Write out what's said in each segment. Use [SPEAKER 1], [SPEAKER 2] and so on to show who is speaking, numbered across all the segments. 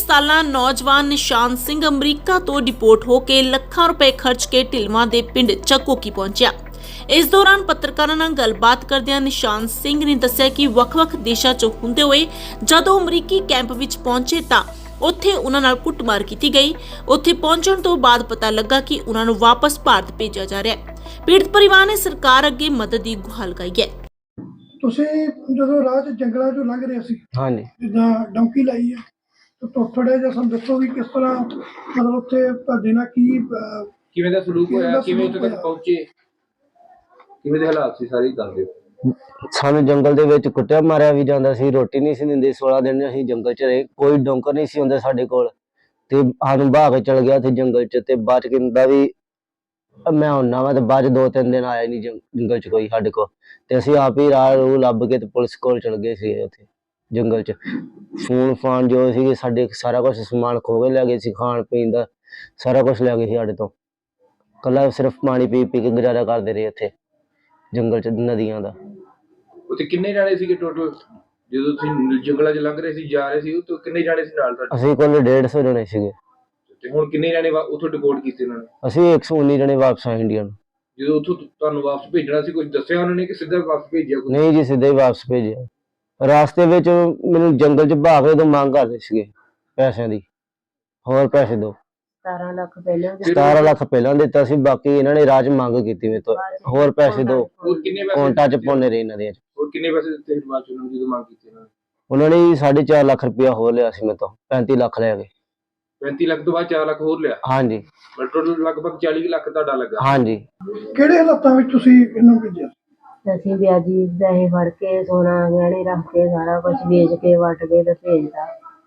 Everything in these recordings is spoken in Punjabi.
[SPEAKER 1] ਸਾਲਾ ਨੌਜਵਾਨ ਨਿਸ਼ਾਨ ਸਿੰਘ ਅਮਰੀਕਾ ਤੋਂ ਡਿਪੋਰਟ ਹੋ ਕੇ ਲੱਖਾਂ ਰੁਪਏ ਖਰਚ ਕੇ ਢਿਲਵਾਂ ਦੇ ਪਿੰਡ ਚੱਕੋਕੀ ਪਹੁੰਚਿਆ। ਇਸ ਦੌਰਾਨ ਪੱਤਰਕਾਰਾਂ ਨਾਲ ਗੱਲਬਾਤ ਕਰਦਿਆਂ ਨਿਸ਼ਾਨ ਸਿੰਘ ਨੇ ਦੱਸਿਆ ਕਿ ਵੱਖ-ਵੱਖ ਦੇਸ਼ਾਂ 'ਚ ਹੁੰਦੇ ਹੋਏ ਜਦੋਂ ਅਮਰੀਕੀ ਕੈਂਪ ਵਿੱਚ ਪਹੁੰਚੇ ਤਾਂ ਉੱਥੇ ਉਹਨਾਂ ਨਾਲ ਕੁੱਟਮਾਰ ਕੀਤੀ ਗਈ। ਉੱਥੇ ਪਹੁੰਚਣ ਤੋਂ ਬਾਅਦ ਪਤਾ ਲੱਗਾ ਕਿ ਉਹਨਾਂ ਨੂੰ ਵਾਪਸ ਭਾਰਤ ਭੇਜਿਆ ਜਾ ਰਿਹਾ ਹੈ। ਪੀੜਤ ਪਰਿਵਾਰ ਨੇ ਸਰਕਾਰ ਅੱਗੇ ਮਦਦ ਦੀ ਗੁਹਾਰ ਲਗਾਈ ਹੈ।
[SPEAKER 2] ਤੁਸੀਂ ਜਦੋਂ ਰਾਹ 'ਚ ਜੰਗਲਾਂ 'ਚੋਂ ਲੰਘ ਰਹੇ ਸੀ,
[SPEAKER 3] ਹਾਂਜੀ
[SPEAKER 2] ਜਿੱਦਾਂ ਡੌਂਕੀ ਲਾਈ ਹੈ, ਤਾਂ ਥੋੜ੍ਹਾ ਜਿਹਾ ਸਾਨੂੰ ਦੱਸੋ ਵੀ ਕਿਸ ਤਰ੍ਹਾਂ ਮਤਲਬ ਉੱਥੇ ਤੁਹਾਡੇ ਨਾਲ
[SPEAKER 4] ਕਿਵੇਂ ਦਾ ਸਲੂਕ ਹੋਇਆ, ਕਿਵੇਂ ਉੱਥੇ ਤੱਕ ਪਹੁੰਚੇ, ਕਿਵੇਂ ਦੇ ਹਾਲਾਤ ਸੀ, ਸਾਰੀ ਦੱਸ ਦਿਓ।
[SPEAKER 3] ਸਾਨੂੰ ਜੰਗਲ ਦੇ ਵਿੱਚ ਕੁੱਟਿਆ ਮਾਰਿਆ ਵੀ ਜਾਂਦਾ ਸੀ, ਰੋਟੀ ਨਹੀਂ ਸੀ ਦਿੰਦੇ। 16 ਦਿਨ ਅਸੀਂ ਜੰਗਲ 'ਚ ਰਹੇ, ਕੋਈ ਡੋਂਕਰ ਨਹੀਂ ਸੀ ਹੁੰਦਾ ਸਾਡੇ ਕੋਲ, ਤੇ ਸਾਨੂੰ ਬਹਾ ਕੇ ਚਲ ਗਿਆ ਸੀ ਜੰਗਲ 'ਚ। ਤੇ ਬਾਅਦ 'ਚ ਕਹਿੰਦਾ ਵੀ ਮੈਂ ਹੁੰਨਾ ਵਾ, ਤੇ ਬਾਅਦ 'ਚ 2-3 ਦਿਨ ਆਇਆ ਨਹੀਂ ਜੰਗਲ 'ਚ ਕੋਈ ਸਾਡੇ ਕੋਲ। ਤੇ ਅਸੀਂ ਆਪ ਹੀ ਰਾਹ ਰੂਹ ਲੱਭ ਕੇ ਤੇ ਪੁਲਿਸ ਕੋਲ ਚਲ ਗਏ ਸੀ। ਉੱਥੇ ਜੰਗਲ 'ਚ ਫੋਨ ਫਾਨ ਜੋ ਸੀ ਸਾਡੇ ਸਾਰਾ ਕੁਛ ਸਮਾਨ ਖੋ ਕੇ ਲੈ ਗਏ ਸੀ, ਖਾਣ ਪੀਣ ਦਾ ਸਾਰਾ ਕੁਛ ਲੈ ਗਏ ਸੀ ਸਾਡੇ ਤੋਂ। ਕੱਲਾ ਸਿਰਫ ਪਾਣੀ ਪੀ ਪੀ ਕੇ ਗੁਜ਼ਾਰਾ ਕਰਦੇ ਰਹੇ ਉੱਥੇ ਜੰਗਲ 'ਚ ਨਦੀਆਂ ਦਾ।
[SPEAKER 4] ਉੱਥੇ ਕਿੰਨੇ ਜਾਣੇ ਸੀਗੇ ਟੋਟਲ ਜਦੋਂ ਤੁਸੀਂ ਜੰਗਲਾਂ 'ਚ ਲੰਘ ਰਹੇ ਸੀ, ਜਾ ਰਹੇ ਸੀ? ਉੱਥੇ ਕਿੰਨੇ ਜਾਣੇ ਸੀ ਨਾਲ ਤੁਹਾਡੇ?
[SPEAKER 3] ਅਸੀਂ ਕੋਲ 150 ਜਣੇ ਸੀਗੇ।
[SPEAKER 4] ਤੇ ਹੁਣ ਕਿੰਨੇ ਜਾਣੇ ਉੱਥੋਂ ਡਿਪੋਰਟ ਕੀਤੇ ਉਹਨਾਂ ਨੇ?
[SPEAKER 3] ਅਸੀਂ 119 ਜਣੇ ਵਾਪਸ ਆਏ ਇੰਡੀਆ ਨੂੰ।
[SPEAKER 4] ਜਦੋਂ ਉੱਥੋਂ ਤੁਹਾਨੂੰ ਵਾਪਸ ਭੇਜਣਾ ਸੀ, ਕੁਝ ਦੱਸਿਆ ਉਹਨਾਂ ਨੇ ਕਿ ਸਿੱਧਾ ਵਾਪਸ ਭੇਜਿਆ?
[SPEAKER 3] ਨਹੀਂ ਜੀ, ਸਿੱਧਾ ਹੀ ਵਾਪਸ ਭੇਜਿਆ। ਰਾਸਤੇ ਵਿੱਚ ਮੈਨੂੰ ਜੰਗਲ 'ਚ ਭਾਗ ਕੇ ਤੋਂ ਮੰਗ ਕਰਦੇ ਸੀਗੇ ਪੈਸਿਆਂ ਦੀ, ਹੋਰ ਪੈਸੇ ਦਿਓ।
[SPEAKER 5] 17 ਲੱਖ ਪਹਿਲਾਂ
[SPEAKER 3] 17 ਲੱਖ ਪਹਿਲਾਂ ਦਿੱਤਾ ਸੀ, ਬਾਕੀ ਇਹਨਾਂ ਨੇ ਰਾਜ ਮੰਗ ਕੀਤੀ ਮੇਰੇ ਤੋਂ, ਹੋਰ ਪੈਸੇ ਦਿਓ।
[SPEAKER 4] ਹੋਰ ਕਿੰਨੇ ਪੈਸੇ
[SPEAKER 3] ਕੌਂਟਾ 'ਚ ਪਾਉਂਦੇ ਰਹੇ ਇਹਨਾਂ ਦੇ।
[SPEAKER 4] ਹੋਰ ਕਿੰਨੇ ਪੈਸੇ ਦਿੱਤੇ ਬਾਅਦ ਚ ਉਹਨਾਂ ਨੂੰ ਜਦੋਂ ਮੰਗ ਕੀਤੀ ਉਹਨਾਂ ਨੇ?
[SPEAKER 3] ਉਹਨਾਂ ਨੇ 4.5 ਲੱਖ ਰੁਪਇਆ ਹੋਰ ਲਿਆ ਸੀ ਮੇਰੇ ਤੋਂ, 35 ਲੱਖ ਲੈ ਗਏ।
[SPEAKER 4] 35 ਲੱਖ ਤੋਂ ਬਾਅਦ 4 ਲੱਖ ਹੋਰ ਲਿਆ?
[SPEAKER 3] ਹਾਂਜੀ।
[SPEAKER 4] ਟੋਟਲ ਲਗਭਗ 40 ਲੱਖ ਤੁਹਾਡਾ ਲੱਗਾ?
[SPEAKER 3] ਹਾਂਜੀ।
[SPEAKER 2] ਕਿਹੜੇ ਹਾਲਾਤਾਂ ਵਿੱਚ ਤੁਸੀਂ ਇਹਨੂੰ ਭੇਜਿਆ?
[SPEAKER 5] ਅਸੀਂ ਵਿਆਜੀ ਪੈਸੇ ਫੜ ਕੇ ਸੋਨਾ ਗਹਿਣੇ ਰੱਖ ਕੇ ਸਾਰਾ ਕੁਝ ਵੇਚ ਕੇ ਵੱਟ ਕੇ ਤੇ ਭੇਜਦਾ,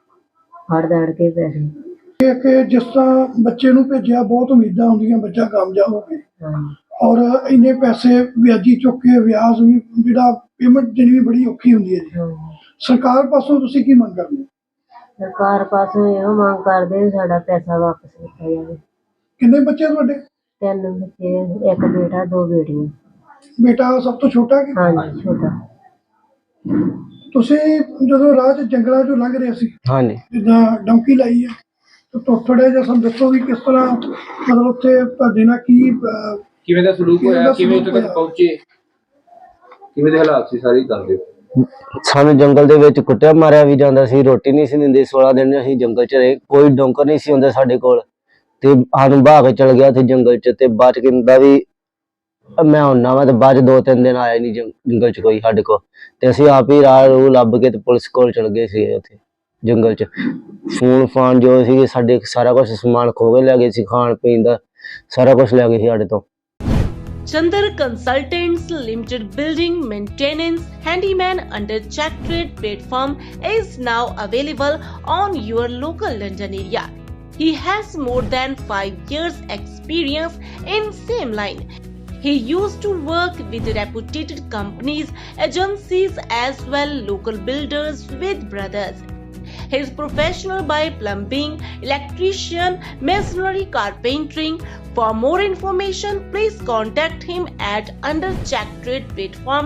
[SPEAKER 5] ਫੜ ਦੜ ਕੇ ਪੈਸੇ।
[SPEAKER 2] ਇਹ ਕਿ ਜਿਸ ਤਰ੍ਹਾਂ ਬੱਚੇ ਨੂੰ ਭੇਜਿਆ, ਬਹੁਤ ਉਮੀਦਾਂ ਹੁੰਦੀਆਂ ਬੱਚਾ ਕਾਮਯਾਬ ਹੋਵੇ, ਔਰ ਇੰਨੇ ਪੈਸੇ ਵਿਆਜੀ ਚੁੱਕ ਕੇ ਵਿਆਜ ਵੀ ਜਿਹੜਾ ਪੇਮੈਂਟ ਦੇਣੀ ਵੀ ਬੜੀ ਔਖੀ ਹੁੰਦੀ ਹੈ ਜੀ। ਸਰਕਾਰ ਪਾਸੋਂ ਤੁਸੀਂ ਕੀ ਮੰਗ ਕਰਦੇ ਹੋ?
[SPEAKER 5] ਸਰਕਾਰ ਪਾਸੋਂ ਇਹੋ ਮੰਗ ਕਰਦੇ ਸਾਡਾ ਪੈਸਾ ਵਾਪਸ ਕੀਤਾ ਜਾਵੇ।
[SPEAKER 2] ਕਿੰਨੇ ਬੱਚੇ ਤੁਹਾਡੇ?
[SPEAKER 5] 3 ਬੱਚੇ, 1 ਬੇਟਾ 2 ਬੇਟੀਆਂ।
[SPEAKER 2] ਬੇਟਾ ਸਭ ਤੋਂ ਛੋਟਾ ਕਿ?
[SPEAKER 5] ਹਾਂਜੀ, ਛੋਟਾ।
[SPEAKER 2] ਤੁਸੀਂ ਜਦੋਂ ਰਾਹ 'ਚ ਜੰਗਲਾਂ 'ਚੋਂ ਲੰਘ ਰਹੇ ਸੀ,
[SPEAKER 3] ਹਾਂਜੀ
[SPEAKER 2] ਜਿੱਦਾਂ ਡੌਂਕੀ ਲਾਈ ਹੈ, ਤਾਂ ਥੋੜ੍ਹਾ ਜਿਹਾ ਸਾਨੂੰ ਦੱਸੋ ਵੀ ਕਿਸ ਤਰ੍ਹਾਂ ਮਤਲਬ ਉੱਥੇ ਤੁਹਾਡੇ ਨਾਲ
[SPEAKER 4] ਕਿਵੇਂ ਦਾ ਸਲੂਕ ਹੋਇਆ, ਕਿਵੇਂ ਉੱਥੇ ਤੱਕ ਪਹੁੰਚੇ, ਕਿਵੇਂ ਦੇ ਹਾਲਾਤ ਸੀ, ਸਾਰੀ ਦੱਸ ਦਿਓ।
[SPEAKER 3] ਸਾਨੂੰ ਜੰਗਲ ਦੇ ਵਿੱਚ ਕੁੱਟਿਆ ਮਾਰਿਆ ਵੀ ਜਾਂਦਾ ਸੀ, ਰੋਟੀ ਨਹੀਂ ਸੀ ਦਿੰਦੇ। 16 ਦਿਨ ਅਸੀਂ ਜੰਗਲ 'ਚ ਰਹੇ, ਕੋਈ ਡੋਂਕਰ ਨਹੀਂ ਸੀ ਹੁੰਦਾ ਸਾਡੇ ਕੋਲ, ਤੇ ਸਾਨੂੰ ਬਹਾ ਕੇ ਚਲ ਗਿਆ ਸੀ ਜੰਗਲ 'ਚ। ਤੇ ਬਾਅਦ 'ਚ ਕਹਿੰਦਾ ਵੀ ਮੈਂ ਹੁੰਨਾ ਵਾ, ਤੇ ਬਾਅਦ 'ਚ 2-3 ਦਿਨ ਆਇਆ ਨਹੀਂ ਜੰਗਲ 'ਚ ਕੋਈ ਸਾਡੇ ਕੋਲ। ਤੇ ਅਸੀਂ ਆਪ ਹੀ ਰਾਹ ਰੂਹ ਲੱਭ ਕੇ ਤੇ ਪੁਲਿਸ ਕੋਲ ਚਲ ਗਏ ਸੀ। ਉੱਥੇ ਜੰਗਲ 'ਚ ਫੋਨ ਫਾਨ ਜੋ ਸੀ ਸਾਡੇ ਸਾਰਾ ਕੁਛ ਸਮਾਨ ਖੋ ਕੇ ਲੈ ਗਏ ਸੀ, ਖਾਣ ਪੀਣ ਦਾ ਸਾਰਾ ਕੁਛ ਲੈ ਗਏ ਸੀ ਸਾਡੇ ਤੋਂ।
[SPEAKER 1] Chandar Consultants Limited building maintenance handyman under Check Trade platform is now available on your local London area. He has more than 5 years experience in same line. He used to work with reputed companies, agencies as well local builders with brothers. He is professional by plumbing, electrician, masonry, carpentering. For more information, please contact him at under Check Trade platform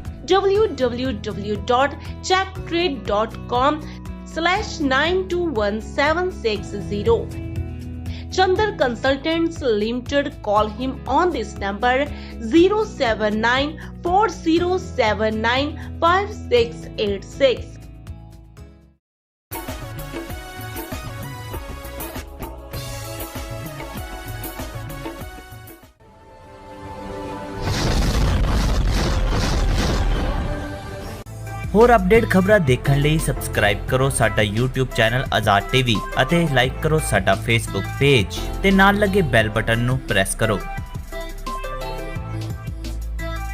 [SPEAKER 1] www.checktrade.com/921760. Chandar Consultants Limited. Call him on this number 07940795686.
[SPEAKER 6] ਹੋਰ ਅਪਡੇਟ ਖਬਰਾਂ ਦੇਖਣ ਲਈ ਸਬਸਕ੍ਰਾਈਬ ਕਰੋ ਸਾਡਾ YouTube ਚੈਨਲ ਆਜ਼ਾਦ ਟੀਵੀ ਅਤੇ ਲਾਈਕ ਕਰੋ ਸਾਡਾ Facebook ਪੇਜ ਤੇ ਨਾਲ ਲੱਗੇ ਬੈਲ ਬਟਨ ਨੂੰ ਪ੍ਰੈਸ ਕਰੋ।